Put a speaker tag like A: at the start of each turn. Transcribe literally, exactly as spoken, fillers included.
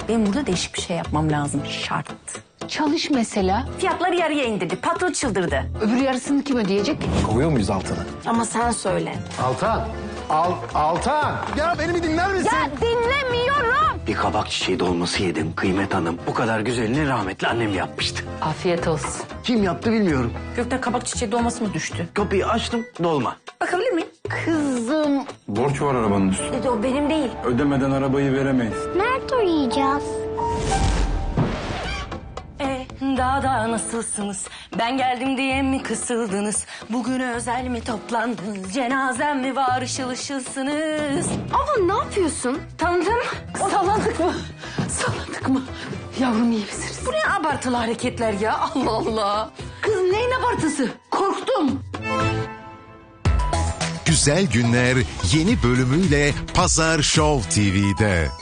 A: Benim burada değişik bir şey yapmam lazım. Şart.
B: Çalış mesela.
A: Fiyatları yarıya indirdi. Patron çıldırdı.
B: Öbür yarısını kim ödeyecek?
C: Kovuyor muyuz Altan'ı?
A: Ama sen söyle.
C: Altan! Al, Altan! Ya beni bir dinler misin?
A: Ya dinlemiyorum.
D: Bir kabak çiçeği dolması yedim Kıymet Hanım. Bu kadar güzelini rahmetli annem yapmıştı.
B: Afiyet olsun.
D: Kim yaptı bilmiyorum.
A: Gökten kabak çiçeği dolması mı düştü?
D: Kapıyı açtım, dolma.
A: Bakabilir miyim?
B: Kızım.
E: Borç var arabanın üstünde.
A: O benim değil.
E: Ödemeden arabayı veremeyiz.
F: Nerede uyuyacağız?
A: E, daha da nasılsınız? Ben geldim diye mi kısıldınız? Bugüne özel mi toplandınız? Cenazem mi var, ışıl ışılsınız?
F: Abla ne yapıyorsun?
A: Tanıdım.
B: Salladık mı? Salladık mı? Yavrum iyi misiniz?
A: Bu ne abartılı hareketler ya? Allah Allah.
B: Kız neyin abartısı? Korktum.
G: Güzel Günler yeni bölümüyle Pazar Show T V'de.